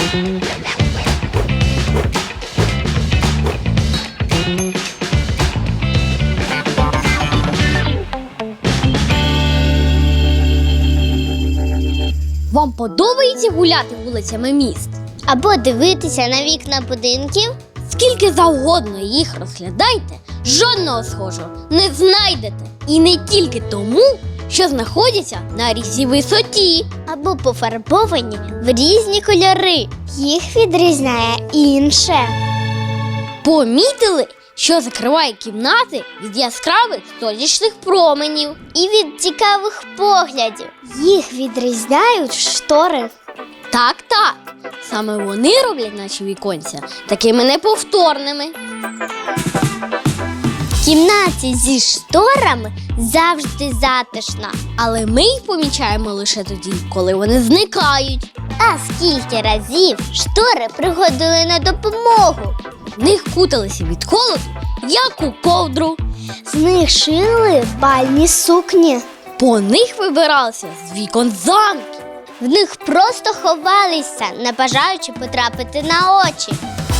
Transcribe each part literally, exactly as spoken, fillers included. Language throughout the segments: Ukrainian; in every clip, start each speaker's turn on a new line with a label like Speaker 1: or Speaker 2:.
Speaker 1: Вам подобається гуляти вулицями міст?
Speaker 2: Або дивитися на вікна будинків?
Speaker 1: Скільки завгодно їх розглядайте, жодного схожого не знайдете. І не тільки тому, що знаходяться на різній висоті.
Speaker 2: Або пофарбовані в різні кольори. Їх відрізняє інше.
Speaker 1: Помітили, що закриває кімнати від яскравих сонячних променів?
Speaker 2: І від цікавих поглядів. Їх відрізняють штори.
Speaker 1: Так, так. Саме вони роблять наші віконця такими неповторними.
Speaker 2: В кімнаті зі шторами завжди затишно.
Speaker 1: Але ми їх помічаємо лише тоді, коли вони зникають.
Speaker 2: А скільки разів штори приходили на допомогу.
Speaker 1: В них куталися від холоду, як у ковдру.
Speaker 2: З них шили бальні сукні.
Speaker 1: По них вибиралися з вікон замки.
Speaker 2: В них просто ховалися, не бажаючи потрапити на очі.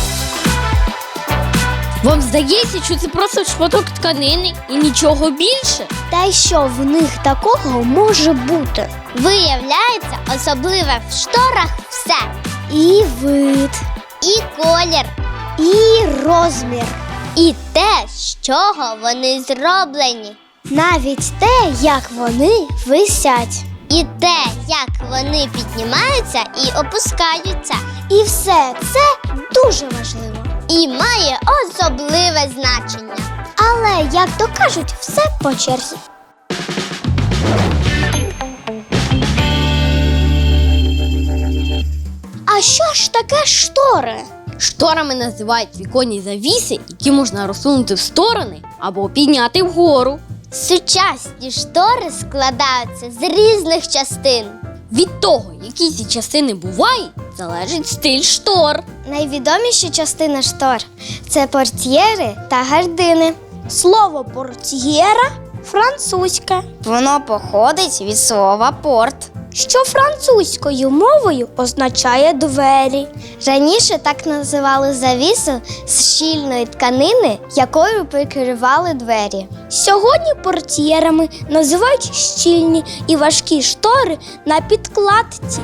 Speaker 1: Вам здається, що це просто шматок тканини і нічого більше?
Speaker 2: Та й що в них такого може бути? Виявляється, особливе в шторах все. І вид, і колір, і розмір, і те, з чого вони зроблені. Навіть те, як вони висять. І те, як вони піднімаються і опускаються. І все це дуже важливо. І має особливе значення. Але, як то кажуть, все по черзі. А що ж таке штори?
Speaker 1: Шторами називають віконні завіси, які можна розсунути в сторони або підняти вгору.
Speaker 2: Сучасні штори складаються з різних частин.
Speaker 1: Від того, які ці частини бувають, залежить стиль штор.
Speaker 2: Найвідоміші частини штор – це портьєри та гардини. Слово портьєра – французьке.
Speaker 3: Воно походить від слова порт,
Speaker 2: що французькою мовою означає двері. Раніше так називали завісу з щільної тканини, якою прикривали двері. Сьогодні портьєрами називають щільні і важкі штори на підкладці.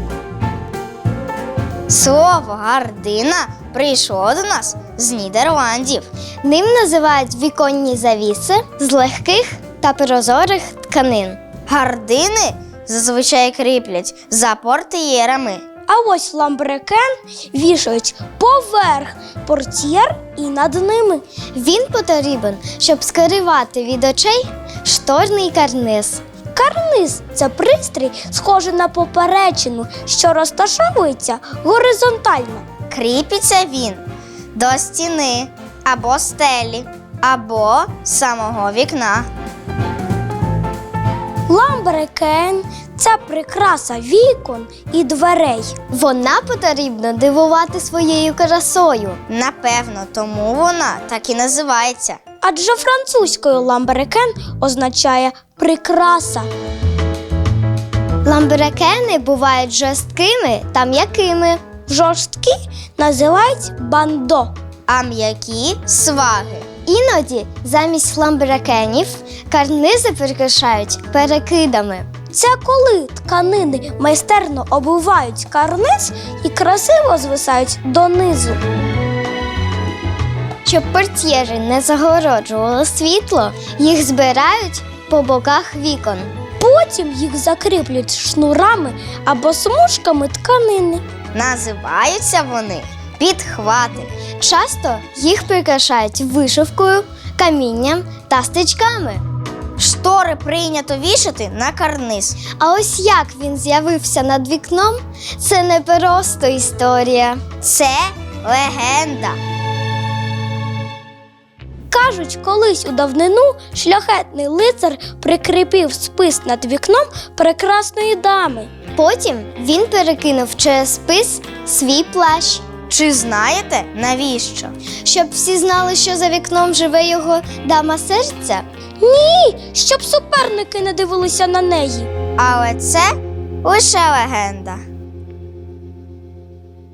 Speaker 3: Слово гардина прийшло до нас з Нідерландів.
Speaker 2: Ним називають віконні завіси з легких та прозорих тканин.
Speaker 3: Гардини зазвичай кріплять за портьєрами.
Speaker 2: А ось ламбрекен вішають поверх портьєр і над ними. Він потрібен, щоб скривати від очей шторний карниз. Карниз – це пристрій, схожий на поперечину, що розташовується горизонтально.
Speaker 3: Кріпиться він до стіни або стелі, або самого вікна.
Speaker 2: Ламбрекен – це прикраса вікон і дверей. Вона потрібна дивувати своєю красою.
Speaker 3: Напевно, тому вона так і називається.
Speaker 2: Адже французькою ламбрекен означає прикраса. Ламбрекени бувають жорсткими та м'якими. Жорсткі називають бандо.
Speaker 3: А м'які – сваги.
Speaker 2: Іноді замість ламбрекенів карнизи прикрашають перекидами. Це коли тканини майстерно обувають карниз і красиво звисають донизу. Щоб портьєри не загороджувало світло, їх збирають по боках вікон. Потім їх закріплюють шнурами або смужками тканини.
Speaker 3: Називаються вони підхвати.
Speaker 2: Часто їх прикрашають вишивкою, камінням та стрічками.
Speaker 3: Штори прийнято вішати на карниз.
Speaker 2: А ось як він з'явився над вікном – це не просто історія.
Speaker 3: Це легенда.
Speaker 2: Кажуть, колись у давнину шляхетний лицар прикріпив спис над вікном прекрасної дами. Потім він перекинув через спис свій плащ.
Speaker 3: Чи знаєте, навіщо?
Speaker 2: Щоб всі знали, що за вікном живе його дама серця? Ні, щоб суперники не дивилися на неї.
Speaker 3: Але це лише легенда.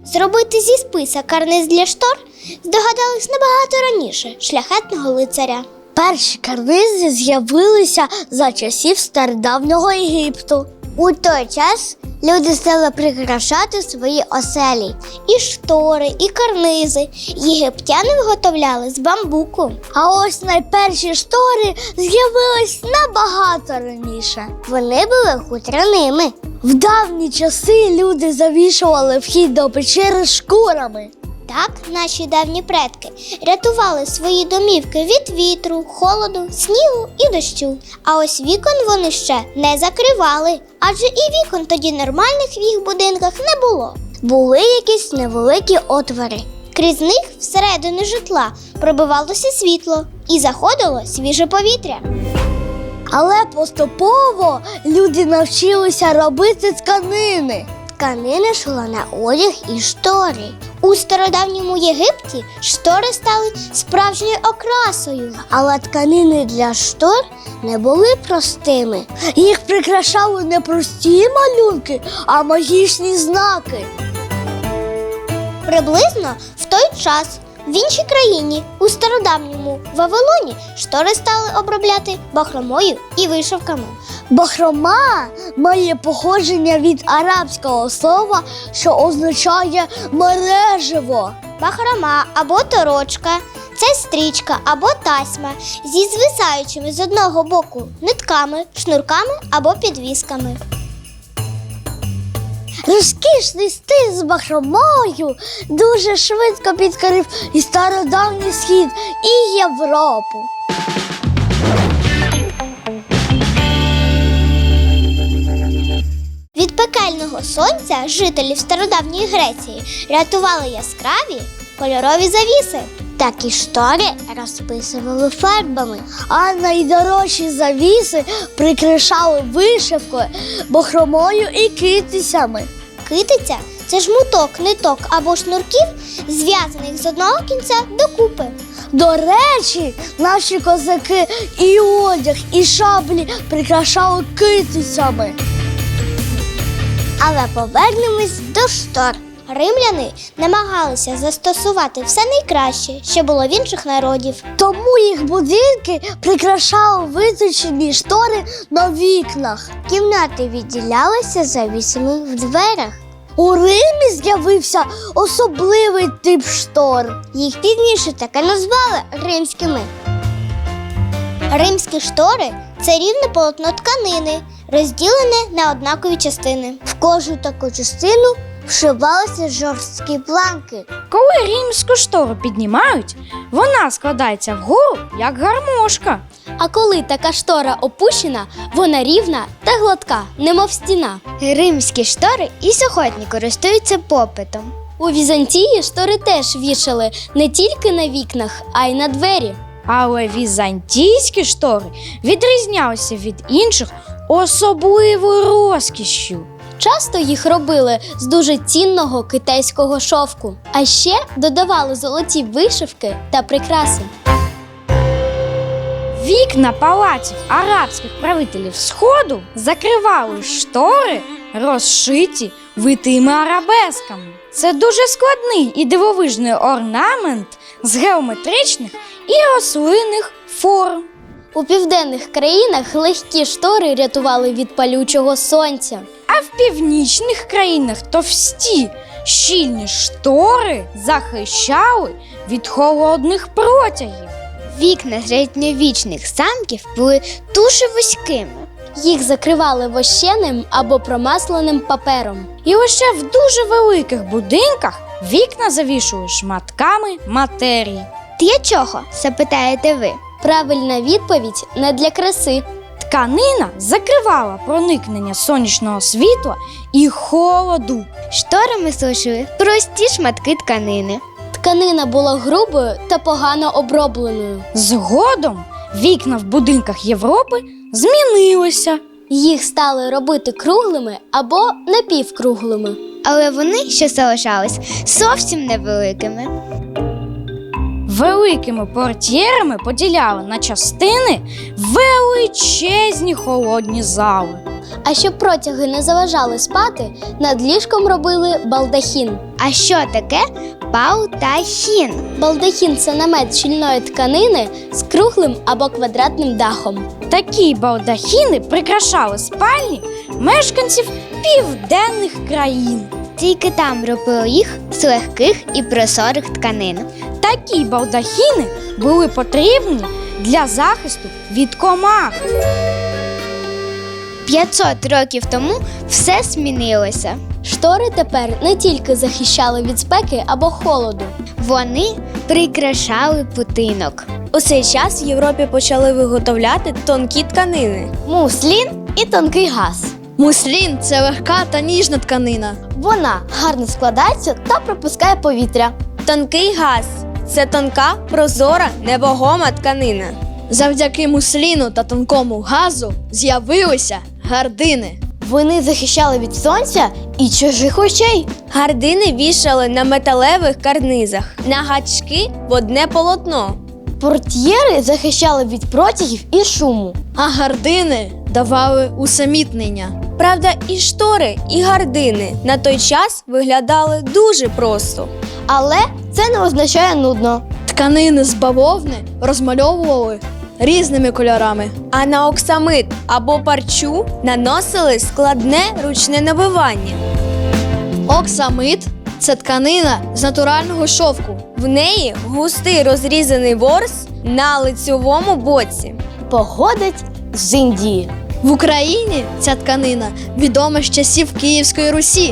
Speaker 2: Зробити зі списа карниз для штор здогадались набагато раніше шляхетного лицаря.
Speaker 1: Перші карнизи з'явилися за часів стародавнього Єгипту.
Speaker 2: У той час люди стали прикрашати свої оселі. І штори, і карнизи єгиптяни виготовляли з бамбуку.
Speaker 1: А ось найперші штори з'явились набагато раніше.
Speaker 2: Вони були хутряними.
Speaker 1: В давні часи люди завішували вхід до печери шкурами.
Speaker 2: Так наші давні предки рятували свої домівки від вітру, холоду, снігу і дощу. А ось вікон вони ще не закривали, адже і вікон тоді нормальних в їх будинках не було.
Speaker 1: Були якісь невеликі отвори.
Speaker 2: Крізь них всередину житла пробивалося світло і заходило свіже повітря.
Speaker 1: Але поступово люди навчилися робити тканини.
Speaker 2: Тканина йшла на одяг і штори. У стародавньому Єгипті штори стали справжньою окрасою.
Speaker 1: Але тканини для штор не були простими. Їх прикрашали не прості малюнки, а магічні знаки.
Speaker 2: Приблизно в той час в іншій країні, у стародавньому Вавилоні, штори стали обробляти бахромою і вишивками.
Speaker 1: Бахрома має походження від арабського слова, що означає мережево.
Speaker 2: Бахрома або торочка – це стрічка або тасьма зі звисаючими з одного боку нитками, шнурками або підвісками.
Speaker 1: Розкішний стиль з бахромою дуже швидко підкорив і стародавній Схід, і Європу.
Speaker 2: Від пекельного сонця жителів стародавньої Греції рятували яскраві кольорові завіси.
Speaker 1: Такі штори розписували фарбами, а найдорожчі завіси прикрашали вишивкою, бахромою і китицями.
Speaker 2: Китиця – це жмуток, ниток або шнурків, зв'язаних з одного кінця докупи.
Speaker 1: До речі, наші козаки і одяг, і шаблі прикрашали китицями.
Speaker 2: Але повернемось до штор. Римляни намагалися застосувати все найкраще, що було в інших народів.
Speaker 1: Тому їх будинки прикрашали виточені штори на вікнах.
Speaker 2: Кімнати відділялися завісами в дверях.
Speaker 1: У Римі з'явився особливий тип штор.
Speaker 2: Їх пізніше так і назвали римськими. Римські штори – це рівне полотно тканини, розділене на однакові частини.
Speaker 1: В кожну таку частину вшивалися жорсткі планки.
Speaker 4: Коли римську штору піднімають, вона складається вгору, як гармошка.
Speaker 1: А коли така штора опущена, вона рівна та гладка, немов стіна.
Speaker 3: Римські штори і сьогодні користуються попитом.
Speaker 1: У Візантії штори теж вішали не тільки на вікнах, а й на двері.
Speaker 4: Але візантійські штори відрізнялися від інших особливою розкішшю.
Speaker 1: Часто їх робили з дуже цінного китайського шовку, а ще додавали золоті вишивки та прикраси.
Speaker 4: Вікна палаців арабських правителів Сходу закривали штори, розшиті витими арабесками. Це дуже складний і дивовижний орнамент з геометричних і рослинних форм.
Speaker 1: У південних країнах легкі штори рятували від палючого сонця.
Speaker 4: А в північних країнах товсті, щільні штори захищали від холодних протягів.
Speaker 3: Вікна середньовічних замків були дуже вузькими.
Speaker 1: Їх закривали вощеним або промасленим папером.
Speaker 4: І лише в дуже великих будинках вікна завішували шматками матерії.
Speaker 3: Для чого, запитаєте ви?
Speaker 1: Правильна відповідь – не для краси.
Speaker 4: Тканина закривала проникнення сонячного світла і холоду.
Speaker 3: Шторами служили прості шматки тканини.
Speaker 1: Тканина була грубою та погано обробленою.
Speaker 4: Згодом вікна в будинках Європи змінилися.
Speaker 1: Їх стали робити круглими або напівкруглими.
Speaker 3: Але вони ще залишались зовсім невеликими.
Speaker 4: Великими портьєрами поділяли на частини величезні холодні зали.
Speaker 2: А щоб протяги не заважали спати, над ліжком робили балдахін.
Speaker 3: А що таке балдахін?
Speaker 2: Балдахін – це намет щільної тканини з круглим або квадратним дахом.
Speaker 4: Такі балдахіни прикрашали спальні мешканців південних країн.
Speaker 3: Тільки там робили їх з легких і прозорих тканин.
Speaker 4: Такі балдахіни були потрібні для захисту від комах.
Speaker 3: п'ятсот років тому все змінилося.
Speaker 2: Штори тепер не тільки захищали від спеки або холоду.
Speaker 3: Вони прикрашали будинок.
Speaker 5: У цей час в Європі почали виготовляти тонкі тканини.
Speaker 2: Муслін і тонкий газ.
Speaker 5: Муслін – це легка та ніжна тканина.
Speaker 2: Вона гарно складається та пропускає повітря.
Speaker 5: Тонкий газ – це тонка, прозора, невагома тканина. Завдяки мусліну та тонкому газу з'явилися гардини.
Speaker 2: Вони захищали від сонця і чужих очей.
Speaker 5: Гардини вішали на металевих карнизах, на гачки в одне полотно.
Speaker 2: Портьєри захищали від протягів і шуму.
Speaker 5: А гардини давали усамітнення. Правда, і штори, і гардини на той час виглядали дуже просто.
Speaker 2: Але це не означає нудно.
Speaker 5: Тканини з бавовни розмальовували різними кольорами, а на оксамит або парчу наносили складне ручне набивання. Оксамит – це тканина з натурального шовку. В неї густий розрізаний ворс на лицьовому боці.
Speaker 2: Походить з Індії.
Speaker 5: В Україні ця тканина відома з часів Київської Русі.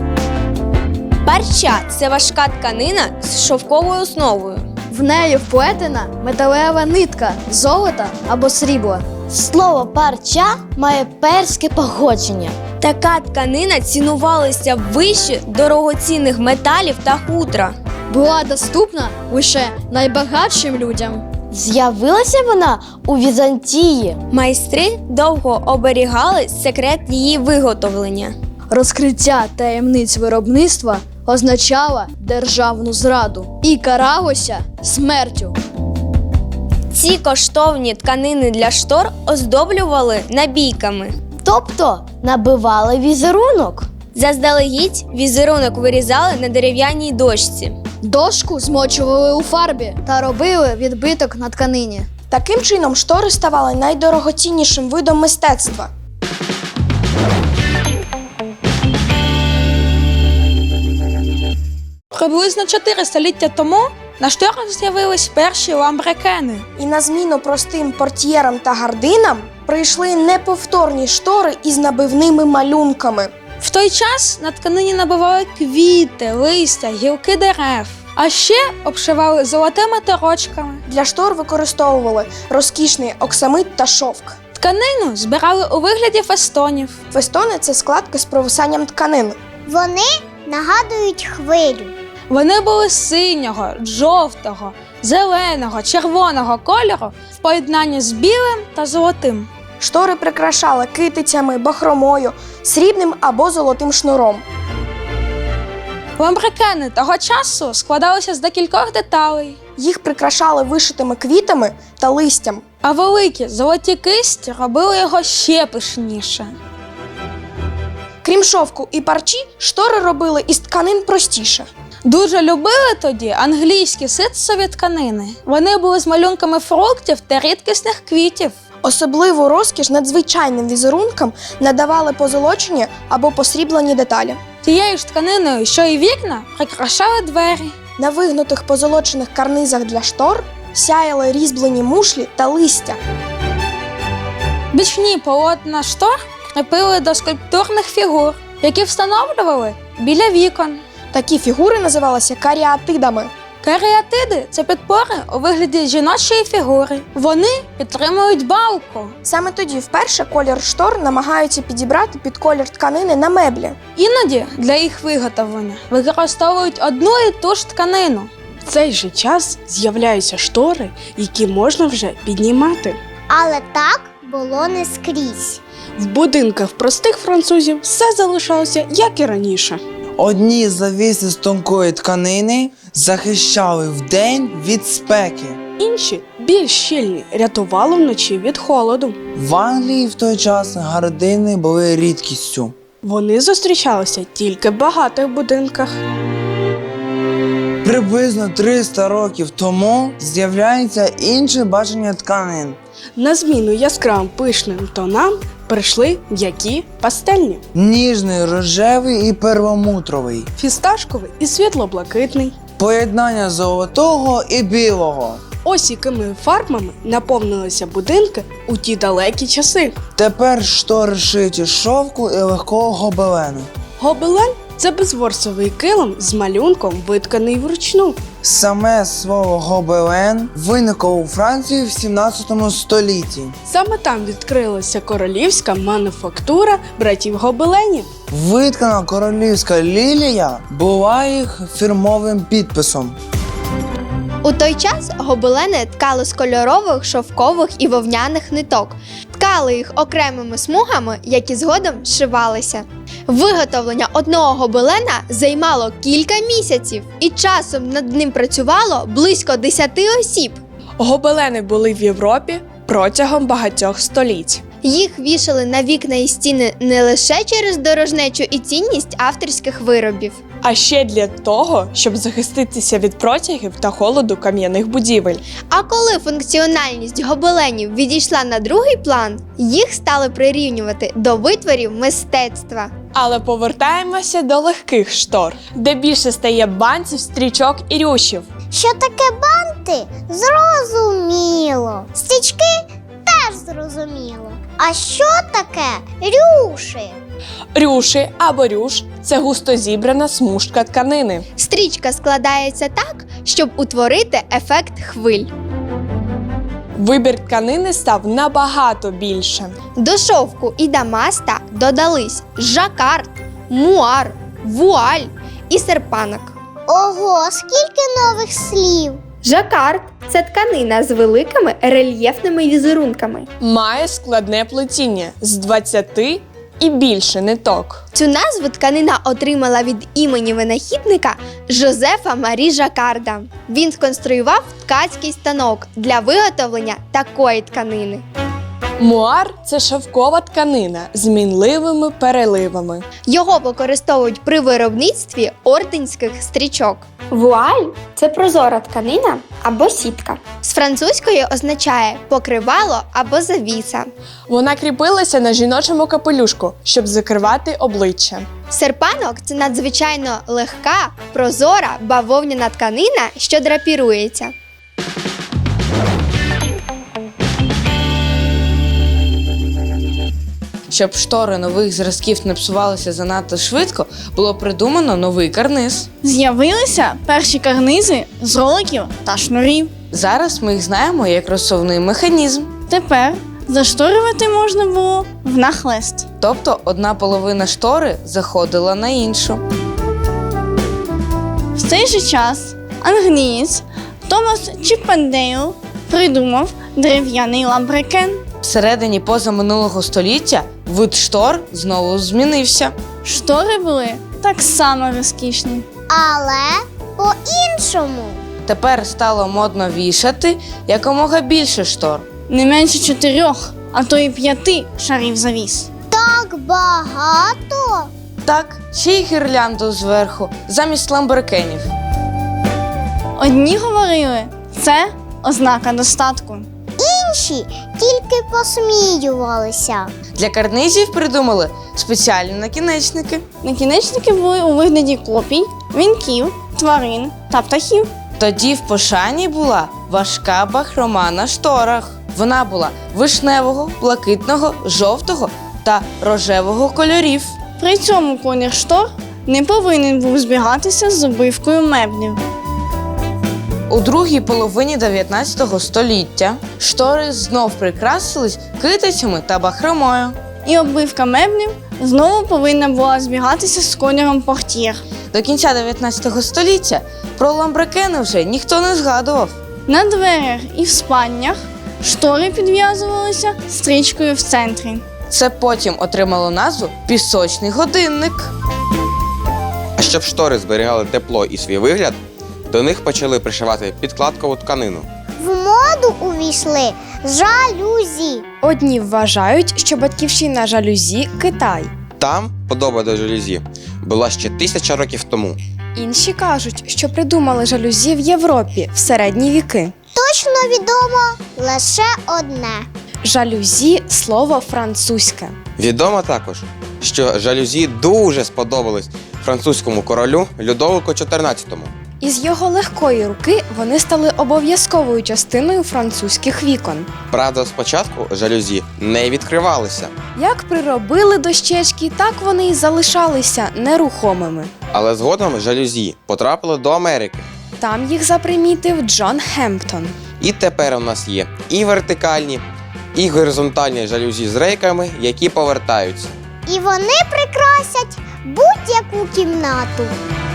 Speaker 5: Парча – це важка тканина з шовковою основою. В неї вплетена металева нитка золота або срібла.
Speaker 2: Слово парча має перське походження.
Speaker 5: Така тканина цінувалася вище дорогоцінних металів та хутра. Була доступна лише найбагатшим людям.
Speaker 2: З'явилася вона у Візантії.
Speaker 5: Майстри довго оберігали секрет її виготовлення. Розкриття таємниць виробництва означало державну зраду і каралося смертю. Ці коштовні тканини для штор оздоблювали набійками.
Speaker 2: Тобто набивали візерунок.
Speaker 5: Заздалегідь візерунок вирізали на дерев'яній дошці. Дошку змочували у фарбі та робили відбиток на тканині.
Speaker 6: Таким чином, штори ставали найдорогоціннішим видом мистецтва.
Speaker 7: Приблизно чотири століття тому на шторах з'явились перші ламбрекени.
Speaker 6: І на зміну простим портьєрам та гардинам прийшли неповторні штори із набивними малюнками.
Speaker 7: В той час на тканині набивали квіти, листя, гілки дерев, а ще обшивали золотими торочками.
Speaker 6: Для штор використовували розкішний оксамит та шовк.
Speaker 7: Тканину збирали у вигляді фестонів.
Speaker 6: Фестони – це складки з провисанням тканин.
Speaker 2: Вони нагадують хвилю.
Speaker 7: Вони були синього, жовтого, зеленого, червоного кольору в поєднанні з білим та золотим.
Speaker 6: Штори прикрашали китицями, бахромою, срібним або золотим шнуром.
Speaker 7: Ламбрекени того часу складалися з декількох деталей,
Speaker 6: Їх прикрашали вишитими квітами та листям.
Speaker 7: а великі золоті кисті робили його ще пишніше.
Speaker 6: Крім шовку і парчі, штори робили із тканин простіше.
Speaker 7: Дуже любили тоді англійські ситцеві тканини. Вони були з малюнками фруктів та рідкісних квітів.
Speaker 6: Особливу розкіш надзвичайним візерункам надавали позолочені або посріблені деталі.
Speaker 7: Тією ж тканиною, що і вікна, прикрашали двері.
Speaker 6: На вигнутих позолочених карнизах для штор сяяли різьблені мушлі та листя.
Speaker 7: Бічні полотна штор кріпили до скульптурних фігур, які встановлювали біля вікон.
Speaker 6: Такі фігури називалися каріатидами.
Speaker 7: Каріатиди – це підпори у вигляді жіночої фігури. Вони підтримують балку.
Speaker 6: Саме тоді вперше колір штор намагаються підібрати під колір тканини на меблі.
Speaker 7: Іноді для їх виготовлення використовують одну і ту ж тканину.
Speaker 8: В цей же час з'являються штори, які можна вже піднімати.
Speaker 2: Але так було не скрізь.
Speaker 8: В будинках простих французів все залишалося, як і раніше.
Speaker 9: Одні завіси з тонкої тканини захищали вдень від спеки.
Speaker 8: Інші більш щільні, рятувало вночі від холоду.
Speaker 9: В Англії в той час гардини були рідкістю.
Speaker 8: Вони зустрічалися тільки в багатих будинках.
Speaker 9: Приблизно триста років тому з'являється інше бачення тканин.
Speaker 8: На зміну яскравим пишним тонам прийшли м'які пастельні.
Speaker 9: Ніжний, рожевий і перламутровий.
Speaker 8: Фісташковий і світло-блакитний.
Speaker 9: Поєднання золотого і білого.
Speaker 8: Ось якими фарбами наповнилися будинки у ті далекі часи.
Speaker 9: Тепер штори шиті з шовку і легкого гобелену.
Speaker 8: Гобелен – це безворсовий килим з малюнком, витканий вручну.
Speaker 9: Саме слово гобелен виникло у Франції в сімнадцятому столітті.
Speaker 8: Саме там відкрилася королівська мануфактура братів Гобеленів.
Speaker 9: Виткана королівська лілія була їх фірмовим підписом.
Speaker 2: У той час гобелени ткали з кольорових, шовкових і вовняних ниток. Ткали їх окремими смугами, які згодом зшивалися. Виготовлення одного гобелена займало кілька місяців, і часом над ним працювало близько десяти осіб.
Speaker 8: Гобелени були в Європі протягом багатьох століть.
Speaker 2: Їх вішали на вікна і стіни не лише через дорожнечу і цінність авторських виробів.
Speaker 8: А ще для того, щоб захиститися від протягів та холоду кам'яних будівель.
Speaker 2: А коли функціональність гобеленів відійшла на другий план, їх стали прирівнювати до витворів мистецтва.
Speaker 8: Але повертаємося до легких штор, де більше стає бантів, стрічок і рюшів.
Speaker 2: Що таке банти? Зрозуміло. Стрічки теж зрозуміло. А що таке рюши?
Speaker 8: Рюши або рюш – це густо зібрана смужка тканини.
Speaker 2: Стрічка складається так, щоб утворити ефект хвиль.
Speaker 8: Вибір тканини став набагато більше.
Speaker 2: До шовку і дамаста додались жакард, муар, вуаль і серпанок. Ого, скільки нових слів! Жакард – це тканина з великими рельєфними візерунками.
Speaker 8: Має складне плетіння з двадцяти і більше ниток.
Speaker 2: Цю назву тканина отримала від імені винахідника Жозефа Марі Жакарда. Він сконструював ткацький станок для виготовлення такої тканини.
Speaker 8: Муар – це шовкова тканина з мінливими переливами.
Speaker 2: Його використовують при виробництві орденських стрічок. Вуаль – це прозора тканина або сітка. З французької означає покривало або завіса.
Speaker 8: Вона кріпилася на жіночому капелюшку, щоб закривати обличчя.
Speaker 2: Серпанок – це надзвичайно легка, прозора бавовняна тканина, що драпірується.
Speaker 4: Щоб штори нових зразків не псувалися занадто швидко, було придумано новий карниз.
Speaker 7: З'явилися перші карнизи з роликів та шнурів.
Speaker 4: Зараз ми їх знаємо як розсувний механізм.
Speaker 7: Тепер зашторювати можна було внахлест.
Speaker 4: Тобто одна половина штори заходила на іншу.
Speaker 7: В цей же час англієць Томас Чіппендейл придумав дерев'яний ламбрекен.
Speaker 4: Всередині позаминулого століття вид штор знову змінився.
Speaker 7: Штори були так само розкішні.
Speaker 2: Але по-іншому.
Speaker 4: Тепер стало модно вішати якомога більше штор.
Speaker 7: Не менше чотирьох, а то й п'яти шарів завіс.
Speaker 2: Так багато?
Speaker 4: Так, ще й гірлянду зверху, замість ламбрекенів.
Speaker 7: Одні говорили, це ознака достатку.
Speaker 2: Інші тільки посміювалися.
Speaker 4: Для карнизів придумали спеціальні накінечники.
Speaker 7: Накінечники були у вигляді копій, вінків, тварин та птахів.
Speaker 4: Тоді в пошані була важка бахрома на шторах. Вона була вишневого, блакитного, жовтого та рожевого кольорів.
Speaker 7: При цьому колір штор не повинен був збігатися з обивкою меблів.
Speaker 4: У другій половині дев'ятнадцятого століття штори знов прикрасились китицями та бахромою.
Speaker 7: І оббивка меблів знову повинна була збігатися з кольором портьєр.
Speaker 4: До кінця дев'ятнадцятого століття про ламбрекени вже ніхто не згадував.
Speaker 7: На дверях і в спальнях штори підв'язувалися стрічкою в центрі.
Speaker 4: Це потім отримало назву «пісочний годинник».
Speaker 10: А щоб штори зберігали тепло і свій вигляд, до них почали пришивати підкладкову тканину.
Speaker 2: В моді моду увійшли жалюзі.
Speaker 6: Одні вважають, що батьківщина жалюзі – Китай.
Speaker 10: Там подоба до жалюзі була ще тисяча років тому.
Speaker 6: Інші кажуть, що придумали жалюзі в Європі в середні віки.
Speaker 2: Точно відомо лише одне.
Speaker 6: Жалюзі – слово французьке.
Speaker 10: Відомо також, що жалюзі дуже сподобались французькому королю Людовику чотирнадцятому.
Speaker 6: Із його легкої руки вони стали обов'язковою частиною французьких вікон.
Speaker 10: Правда, спочатку жалюзі не відкривалися,
Speaker 6: Як приробили дощечки, так вони й залишалися нерухомими.
Speaker 10: але згодом жалюзі потрапили до Америки.
Speaker 6: Там їх запримітив Джон Хемптон.
Speaker 10: І тепер у нас є і вертикальні, і горизонтальні жалюзі з рейками, які повертаються.
Speaker 2: І вони прикрасять будь-яку кімнату.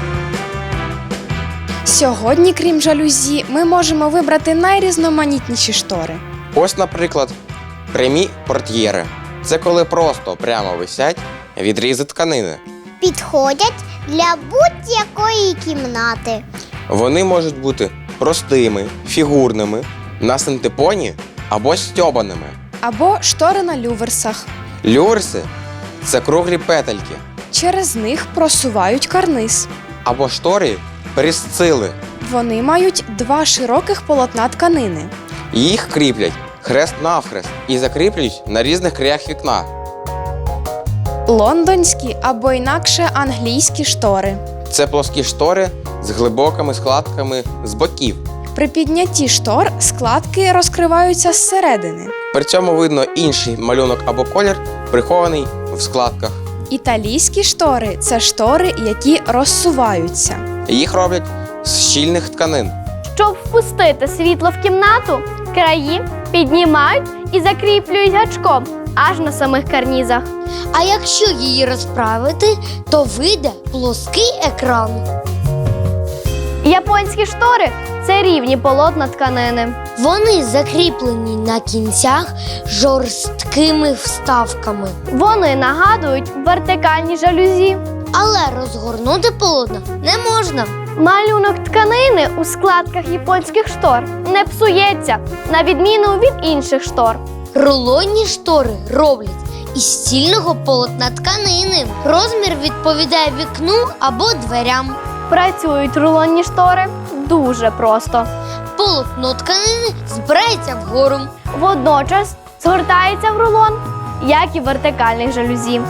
Speaker 6: Сьогодні, крім жалюзі, ми можемо вибрати найрізноманітніші штори.
Speaker 10: Ось, наприклад, прямі портьєри. Це коли просто прямо висять відрізи тканини.
Speaker 2: Підходять для будь-якої кімнати.
Speaker 10: Вони можуть бути простими, фігурними, на синтепоні або стьобаними.
Speaker 6: Або штори на люверсах.
Speaker 10: Люверси – це круглі петельки,
Speaker 6: Через них просувають карниз.
Speaker 10: або штори перісцили.
Speaker 6: Вони мають два широких полотна тканини.
Speaker 10: Їх кріплять хрест-навхрест і закріплюють на різних краях вікна.
Speaker 6: Лондонські або інакше англійські штори.
Speaker 10: Це плоскі штори з глибокими складками з боків.
Speaker 6: При піднятті штор складки розкриваються зсередини.
Speaker 10: При цьому видно інший малюнок або колір, прихований в складках.
Speaker 6: Італійські штори – це штори, які розсуваються.
Speaker 10: Їх роблять з щільних тканин.
Speaker 11: Щоб впустити світло в кімнату, краї піднімають і закріплюють гачком аж на самих карнізах.
Speaker 1: А якщо її розправити, то вийде плоский екран.
Speaker 11: Японські штори – це рівні полотна тканини.
Speaker 1: Вони закріплені на кінцях жорсткими вставками.
Speaker 11: Вони нагадують вертикальні жалюзі.
Speaker 1: Але розгорнути полотна не можна.
Speaker 11: Малюнок тканини у складках японських штор не псується, на відміну від інших штор.
Speaker 1: Рулонні штори роблять із стільного полотна тканини. Розмір відповідає вікну або дверям.
Speaker 11: Працюють рулонні штори дуже просто.
Speaker 1: Полотно тканини збирається вгору.
Speaker 11: Водночас згортається в рулон, як і вертикальних жалюзі.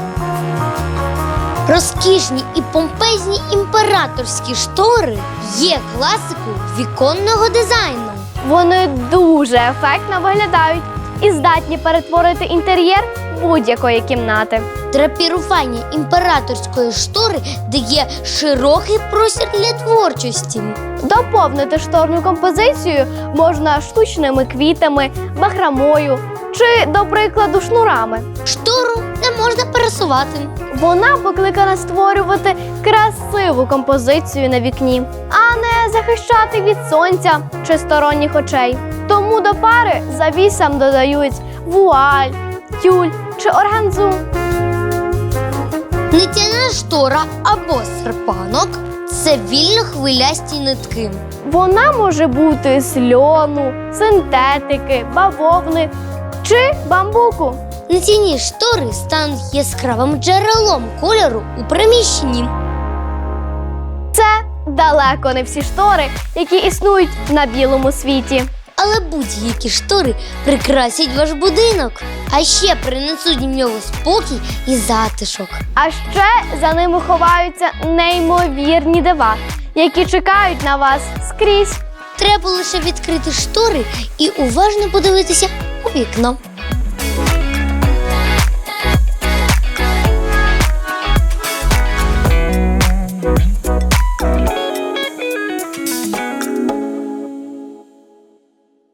Speaker 1: Розкішні і помпезні імператорські штори є класикою віконного дизайну.
Speaker 11: Вони дуже ефектно виглядають і здатні перетворити інтер'єр будь-якої кімнати.
Speaker 1: Драпірування імператорської штори дає широкий простір для творчості.
Speaker 11: Доповнити шторну композицію можна штучними квітами, бахромою чи, до прикладу, шнурами.
Speaker 1: Штору не можна пересувати.
Speaker 11: Вона покликана створювати красиву композицію на вікні, а не захищати від сонця чи сторонніх очей. Тому до пари завісам додають вуаль, тюль чи органзу.
Speaker 1: Нитяна штора або серпанок – це вільно хвилясті нитки.
Speaker 11: Вона може бути з льону, синтетики, бавовни чи бамбуку.
Speaker 1: Нитяні штори стануть яскравим джерелом кольору у приміщенні.
Speaker 11: Це далеко не всі штори, які існують на білому світі.
Speaker 1: Але будь-які штори прикрасять ваш будинок, а ще принесуть в нього спокій і затишок.
Speaker 11: А ще за ними ховаються неймовірні дива, які чекають на вас скрізь.
Speaker 1: Треба лише відкрити штори і уважно подивитися у вікно.